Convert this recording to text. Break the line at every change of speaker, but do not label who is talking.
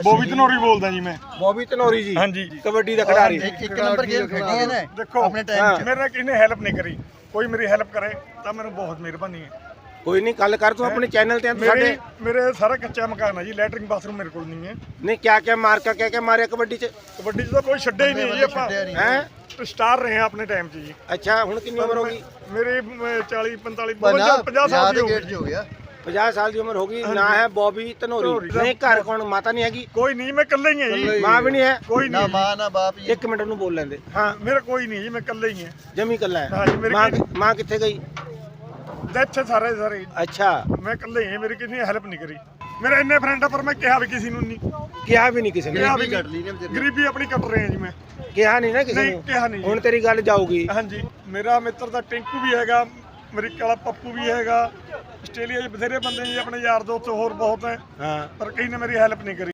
ਬੋਬੀ ਧਨੌਰੀ ਬੋਲਦਾ ਜੀ ਮੈਂ।
ਬੋਬੀ ਧਨੌਰੀ ਜੀ,
ਹਾਂਜੀ
ਕਬੱਡੀ ਦਾ ਖਿਡਾਰੀ।
ਇੱਕ ਨੰਬਰ ਗੇਮ ਖੇਡੀ ਹੈ ਨਾ
ਦੇਖੋ
ਆਪਣੇ ਟਾਈਮ 'ਚ।
ਮੇਰੇ ਨਾਲ ਕਿਸੇ ਨੇ ਹੈਲਪ ਨਹੀਂ ਕਰੀ, ਕੋਈ ਮੇਰੀ ਹੈਲਪ ਕਰੇ ਤਾਂ ਮੈਨੂੰ ਬਹੁਤ ਮਿਹਰਬਾਨੀ ਹੈ।
ਕੋਈ ਨਹੀਂ, ਗੱਲ ਕਰ ਤੂੰ ਆਪਣੇ ਚੈਨਲ ਤੇ ਸਾਡੇ।
ਮੇਰੇ ਸਾਰਾ ਕੱਚਾ ਮਕਾਨ ਹੈ ਜੀ, ਲੈਟਰਿੰਗ ਬਾਥਰੂਮ ਮੇਰੇ ਕੋਲ ਨਹੀਂ ਹੈ।
ਨਹੀਂ ਕਿਆ ਮਾਰਕਾ ਕਿਆ ਮਾਰਿਆ ਕਬੱਡੀ ਚ?
ਕਬੱਡੀ 'ਚ ਤਾਂ ਕੋਈ ਛੱਡਿਆ ਹੀ ਨਹੀਂ ਜੀ, ਆਪਾਂ
ਹੈ
ਸਟਾਰ ਰਹੇ ਆ ਆਪਣੇ ਟਾਈਮ 'ਚ ਜੀ।
ਅੱਛਾ, ਹੁਣ ਕਿੰਨੀ ਉਮਰ ਹੋ ਗਈ?
ਮੇਰੇ 40 45 50 ਸਾਲ ਦੀ ਹੋ ਗਈ।
50 ਸਾਲ ਦੀ ਉਮਰ ਹੋ ਗਈ। ਨਾ ਹੈ ਬੋਬੀ ਧਨੌਰੀ। ਨਹੀਂ ਘਰ ਕੌਣ, ਮਾਤਾ ਨਹੀਂ ਹੈਗੀ?
ਕੋਈ ਨਹੀਂ, ਮੈਂ ਇਕੱਲਾ ਹੀ ਹਾਂ ਜੀ।
ਮਾਂ ਵੀ ਨਹੀਂ ਹੈ?
ਕੋਈ
ਨਾ
ਨਹੀਂ,
ਮਾਂ ਨਾ ਬਾਪ ਜੀ।
ਇੱਕ ਮਿੰਟ ਨੂੰ ਬੋਲ ਲੈਂਦੇ। ਹਾਂ,
ਮੇਰਾ ਕੋਈ ਨਹੀਂ ਜੀ, ਮੈਂ ਇਕੱਲਾ ਹੀ ਹਾਂ।
ਜਮੀ ਕੱਲਾ ਹੈ।
ਹਾਂਜੀ, ਮੇਰੀ
ਮਾਂ ਕਿੱਥੇ ਗਈ?
ਇੱਥੇ ਸਾਰੇ
ਅੱਛਾ,
ਮੈਂ ਇਕੱਲਾ ਹੀ ਹਾਂ, ਮੇਰੀ ਕਿਸੇ ਨੇ ਹੈਲਪ ਨਹੀਂ ਕਰੀ। ਮੇਰੇ ਇੰਨੇ ਫਰੈਂਡ ਆ ਪਰ ਮੈਂ ਕਿਹਾ ਵੀ ਕਿਸੇ ਨੂੰ ਨਹੀਂ,
ਕਿਹਾ ਵੀ ਨਹੀਂ ਕਿਸੇ ਨੇ?
ਕਿਹਾ ਵੀ
ਕੱਟ ਲਈ ਨੇ ਤੇਰੀ।
ਗਰੀਬੀ ਆਪਣੀ ਕੱਟ ਰਹੇ ਆ ਜੀ ਮੈਂ।
ਕਿਹਾ ਨਹੀਂ ਨਾ ਕਿਸੇ
ਨਹੀਂ
ਨੂੰ?
ਕਿਹਾ ਨਹੀਂ
ਹੁਣ ਤੇਰੀ ਗੱਲ ਜਾਊਗੀ।
ਹਾਂਜੀ, ਮੇਰਾ ਮਿੱਤਰ ਦਾ ਟਿੰਕੂ ਵੀ ਹੈਗਾ, ਅਮਰੀਕਾ ਵਾਲਾ ਪੱਪੂ ਵੀ ਹੈਗਾ, ਆਸਟ੍ਰੇਲੀਆ 'ਚ ਬਥੇਰੇ ਬੰਦੇ ਜੀ ਆਪਣੇ ਯਾਰ ਦੋਸਤ ਹੋਰ ਬਹੁਤ ਹੈ,
ਹਾਂ,
ਪਰ ਕਿਸੇ ਨੇ ਮੇਰੀ ਹੈਲਪ ਨਹੀਂ ਕਰੀ।